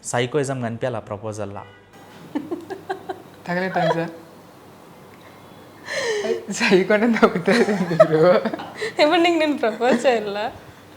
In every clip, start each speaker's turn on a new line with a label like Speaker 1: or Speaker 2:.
Speaker 1: Psychoism కనిపించాలి ఆ ప్రపోజల్లా.
Speaker 2: తగలేటాను sir సైకోంటే తగ్గుతుంది
Speaker 3: ఇప్పుడు నీకు నేను ప్రపోజ్ చేయాలా?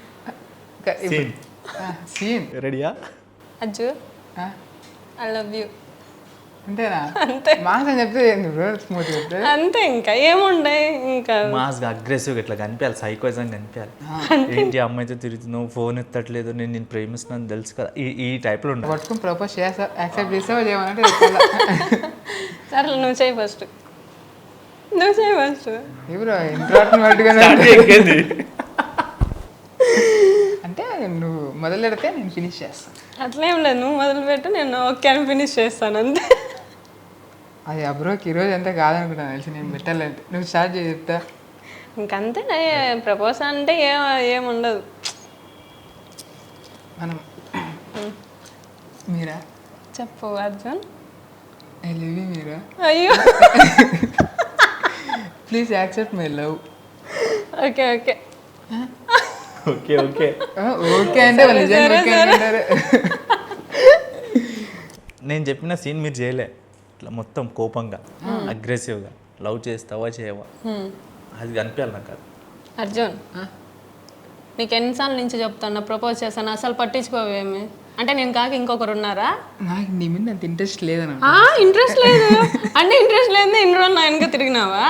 Speaker 2: సీన్
Speaker 1: రెడీయా?
Speaker 3: అజ్జు ఐ లవ్ యూ
Speaker 2: అంతేనా?
Speaker 3: అంతే.
Speaker 2: మాసం చెప్తే బ్రో, స్మూత్ చెప్తే
Speaker 3: అంతే, ఇంకా ఏముండే. ఇంకా
Speaker 1: మాస్గా అగ్రెసివ్గా ఇట్లా కనిపించాలి, సైకోయిజం కనిపించాలి. ఏంటి అమ్మాయితో తిరుగుతున్నావు, ఫోన్ ఎత్తట్లేదు, నేను ప్రేమిస్తున్నాను తెలుసు కదా, ఈ టైప్లో ఉండాలి.
Speaker 2: పట్టుకుని ప్రపోజ్ చేస్తా, యాక్సెప్ట్ చేస్తావా చేయమన్నట్టు చెప్పాలా?
Speaker 3: సరే నువ్వు చేయి ఫస్ట్, నువ్వు చేయి ఫస్ట్.
Speaker 2: బ్రో ఇంట్రాక్షన్ పట్టుకుని అంటే నువ్వు మొదలు పెడితే నేను ఫినిష్ చేస్తాను.
Speaker 3: అట్లేం లేదు, నువ్వు మొదలుపెట్టు, నేను ఓకే అని ఫినిష్ చేస్తాను అంతే.
Speaker 2: అది అబ్రోకి ఈరోజు అంతా కాదనుకుంటాను తెలిసి, నేను పెట్టాలంటే నువ్వు స్టార్ట్ చేసి చెప్తా.
Speaker 3: ఇంకంతే, ప్రపోజ్ అంటే ఏముండదు.
Speaker 2: మనం మీరా
Speaker 3: చెప్పు Arjun.
Speaker 2: I love you Meera,
Speaker 3: అయ్యో
Speaker 2: please accept my love.
Speaker 3: Okay okay
Speaker 1: okay okay
Speaker 2: okay అంటే వాళ్ళు నిజంగా ఓకే అంటారు.
Speaker 1: నేను చెప్పిన సీన్ మీరు చేయలే, ఇట్లా మొత్తం కోపంగా అగ్రెసివ్గా లవ్ చేస్తావా చేయవా అది కనిపించాలి నాకు. అది
Speaker 3: అర్జున్, నీకు ఎన్నిసార్లు నుంచి చెప్తాను ప్రపోజ్ చేస్తాను, అసలు పట్టించుకోవేమి. అంటే నేను కాక ఇంకొకరు ఉన్నారా?
Speaker 2: నాకు నీ మీద అంత ఇంట్రెస్ట్ లేదన్న.
Speaker 3: ఇంట్రెస్ట్ లేదు అంటే ఇంట్రెస్ట్ లేదు, ఇన్ని రోజులు నా వెనక తిరిగినావా?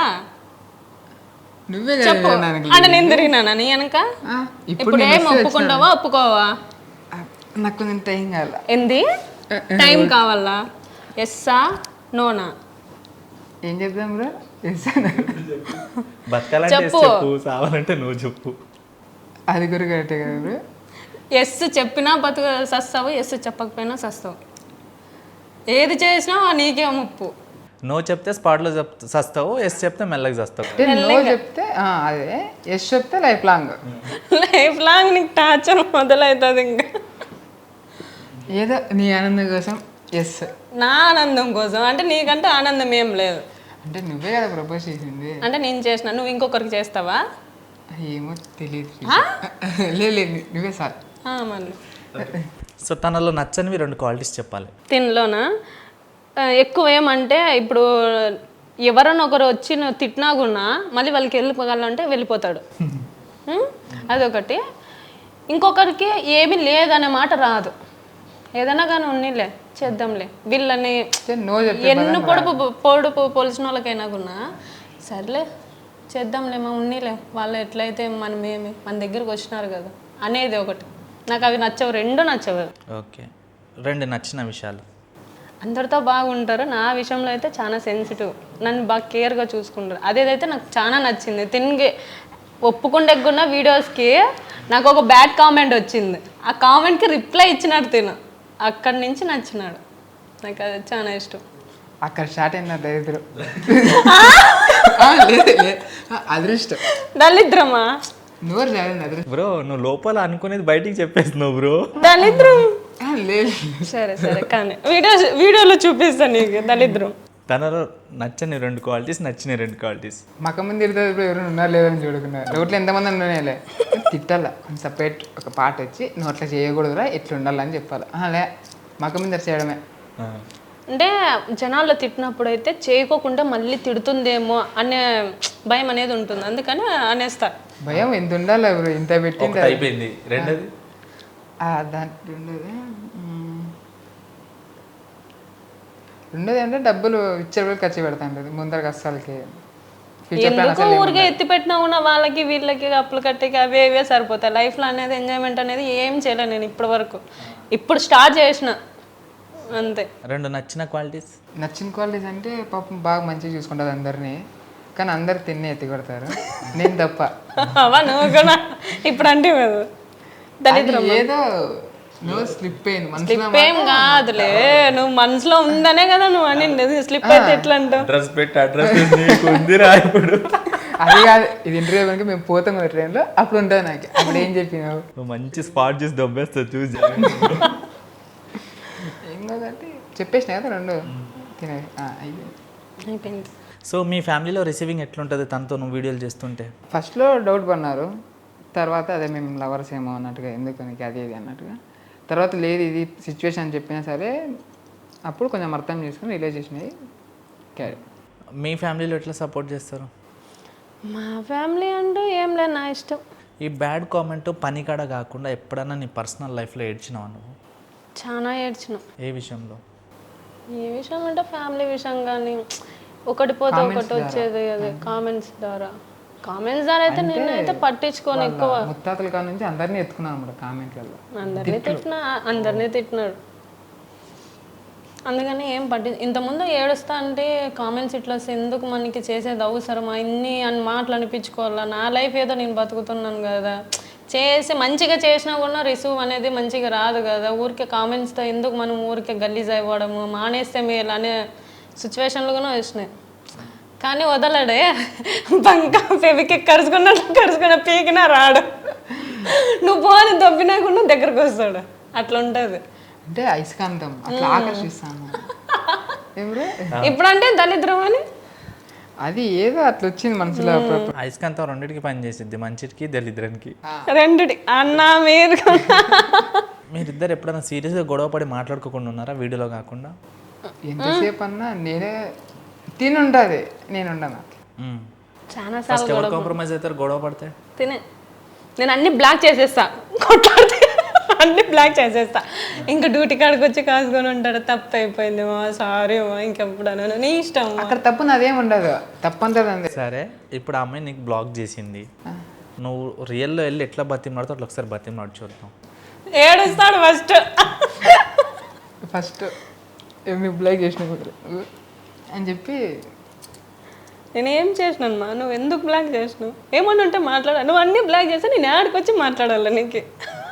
Speaker 2: నువ్వే
Speaker 3: చెప్పు. అంటే నేను తిరిగినానా నీ వెనక? ఇప్పుడు ఏం ఒప్పుకుంటావా ఒప్పుకోవా?
Speaker 2: నాకు కొంచెం టైం కావాల.
Speaker 3: ఏంది టైం కావాలా? ఎస్సా నోనా?
Speaker 2: ఏం చెప్తాం బ్రో?
Speaker 1: బతకాలంటే
Speaker 3: చెప్పు.
Speaker 1: చెప్పు, సావాలంటే నువ్వు చెప్పు.
Speaker 2: అది కూడా కరెక్టే కదా బ్రో.
Speaker 3: ఎస్ చెప్పినా సస్తావు, ఎస్ చెప్పకపోయినా సస్తావు. ఏది చేసినా నీకే ముప్పు.
Speaker 1: నో చెప్తే స్పాట్లో సస్తావు, ఎస్ చెప్తే మెల్లగా చస్తావు.
Speaker 2: నో చెప్తే అదే, ఎస్ చెప్తే లైఫ్ లాంగ్.
Speaker 3: లైఫ్ లాంగ్ నీకు టార్చర్ మొదలవుతుంది. ఇంకా
Speaker 2: ఏదో నీ ఆనందం కోసం ఎస్.
Speaker 3: నా ఆనందం కోసం అంటే నీకంటే ఆనందం ఏం లేదు.
Speaker 2: అంటే నువ్వే కదా ప్రపోజ్ చేసింది.
Speaker 3: అంటే నేను చేసిన, నువ్వు ఇంకొకరికి చేస్తావా?
Speaker 2: ఏమో తెలియదు. లేదు నువ్వే సార్.
Speaker 3: మళ్ళీ
Speaker 1: సో తనలో నచ్చనివి 2 క్వాలిటీస్ చెప్పాలి.
Speaker 3: తినలోనా ఎక్కువ ఏమంటే, ఇప్పుడు ఎవరైనా ఒకరు వచ్చి నువ్వు తిట్టినా కూడా మళ్ళీ వాళ్ళకి వెళ్ళిపోగలంటే వెళ్ళిపోతాడు. అదొకటి. ఇంకొకరికి ఏమీ లేదనే మాట రాదు. ఏదైనా కానీ ఉన్నీలే చేద్దాంలే వీళ్ళని
Speaker 2: నో
Speaker 3: ఎన్ని పొడుపు పోలిసిన వాళ్ళకైనా కూడా సర్లే చేద్దాంలేమా ఉన్నీలే, వాళ్ళు ఎట్లయితే మనమేమి మన దగ్గరికి వచ్చినారు కదా అనేది ఒకటి. నాకు అవి నచ్చవు, 2 నచ్చవు.
Speaker 1: ఓకే, 2 నచ్చిన విషయాలు.
Speaker 3: అందరితో బాగుంటారు, నా విషయంలో అయితే చాలా సెన్సిటివ్, నన్ను బాగా కేర్గా చూసుకుంటారు. అదేదైతే నాకు చాలా నచ్చింది. ఒప్పుకుండేకున్న వీడియోస్కి నాకు ఒక బ్యాడ్ కామెంట్ వచ్చింది, ఆ కామెంట్కి రిప్లై ఇచ్చినాడు తిను. అక్కడి నుంచి నచ్చినాడు నాకు, అది చాలా ఇష్టం.
Speaker 2: అక్కడ స్టార్ట్ అయింది దరిద్రం. అదృష్టం
Speaker 3: దళిద్రమా?
Speaker 2: నోరు జారింది అదృష్టం.
Speaker 1: బ్రో నువ్వు లోపల అనుకునేది బయటికి చెప్పేస్తున్నావు బ్రో.
Speaker 3: దళిద్రం
Speaker 2: లేదు.
Speaker 3: సరే కానీ వీడియోలో చూపిస్తాను నీకు దళిద్రం.
Speaker 1: తనలో నచ్చని 2 క్వాలిటీస్, నచ్చిన 2 క్వాలిటీస్.
Speaker 2: మక్క ముందు తిరుగుతుంది ఇప్పుడు ఎవరు ఉన్నారు లేదని చూడకుండా. నోట్లో ఎంతమంది ఉన్నాయలే తిట్టాలా, సపరేట్ ఒక పాట వచ్చి నువ్వు అట్లా చేయకూడదురా ఎట్లా ఉండాలని చెప్పాలి. లే మక్క ముందు చేయడమే.
Speaker 3: అంటే జనాల్లో తిట్టినప్పుడు అయితే చేయకోకుండా మళ్ళీ తిడుతుందేమో అనే భయం అనేది ఉంటుంది, అందుకని అనేస్తా.
Speaker 2: భయం ఎంత ఉండాలి ఎవరు ఇంత పెట్టింది
Speaker 1: అయిపోయింది. రెండోది
Speaker 2: రెండోది అంటే డబ్బులు ఇచ్చేవాళ్ళు ఖర్చు పెడతా ఉంటుంది ముందర కష్టాలకి.
Speaker 3: ఎందుకు ఊరికే ఎత్తి పెట్టినా కూడా వాళ్ళకి వీళ్ళకి అప్పులు కట్టేకి అవే సరిపోతాయి. లైఫ్లో అనేది ఎంజాయ్మెంట్ అనేది ఏం చేయలేను నేను ఇప్పటి వరకు. ఇప్పుడు స్టార్ట్ చేసిన అంతే.
Speaker 1: 2 నచ్చిన క్వాలిటీస్.
Speaker 2: నచ్చిన క్వాలిటీస్ అంటే పాపం బాగా మంచిగా చూసుకుంటుంది అందరినీ, కానీ అందరు తిన్నే ఎత్తి కొడతారు, నేను తప్ప.
Speaker 3: నువ్వు కూడా ఇప్పుడు అంటే దళిద్రం
Speaker 2: ఏదో నువ్వు స్లిప్ అయింది.
Speaker 3: స్లిప్ ఏం కాదులే, నువ్వు మనసులో ఉందనే కదా నువ్వు అని. స్లిప్ అయితే ఎట్లా అంటావు?
Speaker 1: అడ్రస్ పెట్టి అడ్రస్ ఉందిరా ఇప్పుడు.
Speaker 2: అది కాదు, ఇది ఇంటర్వ్యూ కనుక మేము పోతాం కదా ట్రైన్లో, అప్పుడు ఉంటుంది నాకు. అప్పుడు ఏం చెప్పినావు?
Speaker 1: నువ్వు మంచి స్పాట్ చూసి దొబ్బేస్తావు చూసి.
Speaker 2: ఏం కాదంటే చెప్పేసిన కదా 2 తినే
Speaker 3: అయిపోయింది.
Speaker 1: సో మీ ఫ్యామిలీలో రిసీవింగ్ ఎట్లుంటుంది తనతో నువ్వు వీడియోలు చేస్తుంటే?
Speaker 2: ఫస్ట్లో డౌట్ పడినారు, తర్వాత అదే మేము లవర్స్ ఏమో అన్నట్టుగా, ఎందుకు నీకు అది ఇది అన్నట్టుగా. తర్వాత లేదు ఇది సిచ్యువేషన్ అని చెప్పినా సరే అప్పుడు కొంచెం అర్థం చేసుకుని రిలేషన్ అయ్యి క్యారీ.
Speaker 1: మీ ఫ్యామిలీలో ఎట్లా సపోర్ట్ చేస్తారు?
Speaker 3: మా ఫ్యామిలీ అంటూ ఏం లేదు, నా ఇష్టం.
Speaker 1: ఈ బ్యాడ్ కామెంట్ పని కాడ కాకుండా ఎప్పుడన్నా నీ పర్సనల్ లైఫ్లో ఏడ్చినావా నువ్వు?
Speaker 3: చాలా ఏడ్చినాం.
Speaker 1: ఏ విషయంలో?
Speaker 3: ఏ విషయం అంటే ఫ్యామిలీ విషయం కానీ ఒకటి పోతే ఒకటి వచ్చేది అదే కామెంట్స్ ద్వారా. కామెంట్స్ ద్వారా అయితే నేనైతే పట్టించుకోను ఎక్కువ.
Speaker 2: ముత్తాతల కాడ నుంచి అందరినీ ఎత్తుకున్నాను అన్నమాట కామెంట్లలో.
Speaker 3: అందరినీ తిట్టినాడు. అందుకని ఏం ఇంతకుముందు ఏడుస్తా అంటే కామెంట్స్ ఇట్లా ఎందుకు మనకి చేసేది అవసరమా, ఇన్ని అని మాటలు అనిపించుకోవాలా, నా లైఫ్ ఏదో నేను బతుకుతున్నాను కదా, చేసి మంచిగా చేసినా కూడా రిసీవ్ అనేది మంచిగా రాదు కదా, ఊరికే కామెంట్స్తో ఎందుకు మనం ఊరికే గలీజ్ అయిపోవడము, మానేస్తే మేలు అనే సిచ్యువేషన్లు కూడా వచ్చినాయి. కానీ వదలడే, బంక పెవికి కరుచుకున్న పీకినా రాడు, నువ్వు పోని దొబ్బినా కూడా దగ్గరకు వస్తాడు, అట్లా ఉంటుంది.
Speaker 2: అంటే అయస్కాంతం అట్లా ఆకర్షిస్తాను
Speaker 3: ఇప్పుడంటే దళిద్రం అని
Speaker 2: అది ఏదో అట్లా వచ్చింది మనసులో.
Speaker 1: అయస్కాంతం రెండింటికి పని చేసిద్ది, మంచికి దళిద్రానికి.
Speaker 3: రెండుటి అన్నా మీరు
Speaker 1: మీరిద్దరు ఎప్పుడైనా సీరియస్గా గొడవపడి మాట్లాడుకోకుండా ఉన్నారా వీడియోలో కాకుండా?
Speaker 2: ఎంతసేపు అన్నా నేనే తినుంటుంది, నేను ఉండను.
Speaker 3: చాలా
Speaker 1: ఫస్ట్ ఎవరు కాంప్రమైజ్ అవుతారు గొడవ పడితే?
Speaker 3: నేను అన్ని బ్లాక్ చేసేస్తా, కొట్లాడితే అన్ని బ్లాక్ చేసేస్తా. ఇంకా డ్యూటీ కాడికి వచ్చి కాసుకొని ఉంటాడు, తప్పు అయిపోయింది మా, సారీ మా, ఇంకెప్పుడు నీ ఇష్టం.
Speaker 2: అక్కడ తప్పు నాదేం ఉండదు, తప్పంతది.
Speaker 1: సరే ఇప్పుడు ఆ అమ్మాయి నీకు బ్లాక్ చేసింది, నువ్వు రియల్లో వెళ్ళి ఎట్లా బతిమాడుతావు అట్లా ఒకసారి బతిమాడు చూద్దాం.
Speaker 3: ఏడుస్తాడు
Speaker 2: ఫస్ట్ ఏమి బ్లాక్ చేసిన అని చెప్పి,
Speaker 3: నేనేం చేసినాను మా, నువ్వు ఎందుకు బ్లాక్ చేసినావు, ఏమన్నా ఉంటే మాట్లాడా, నువ్వు అన్నీ బ్లాక్ చేస్తే నేను ఆడికి వచ్చి మాట్లాడాలి నీకు.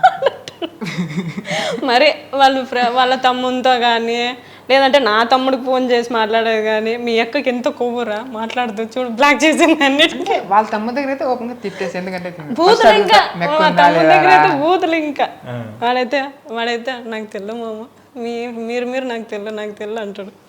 Speaker 3: మరి వాళ్ళ తమ్మునితో కానీ లేదంటే నా తమ్ముడికి ఫోన్ చేసి మాట్లాడేది కానీ, మీ అక్కకి ఎంత కొవ్వురా మాట్లాడదు చూడు బ్లాక్ చేసింది అన్నిటికీ.
Speaker 2: వాళ్ళ తమ్ముడు దగ్గర అయితే ఓపెన్గా తిట్టేసి, ఎందుకంటే
Speaker 3: బూతులు ఇంకా మా తమ్ముడి దగ్గర అయితే బూతులు ఇంకా. వాడైతే నాకు తెల్ల మామ, మీరు నాకు తెల్ల అంటాడు.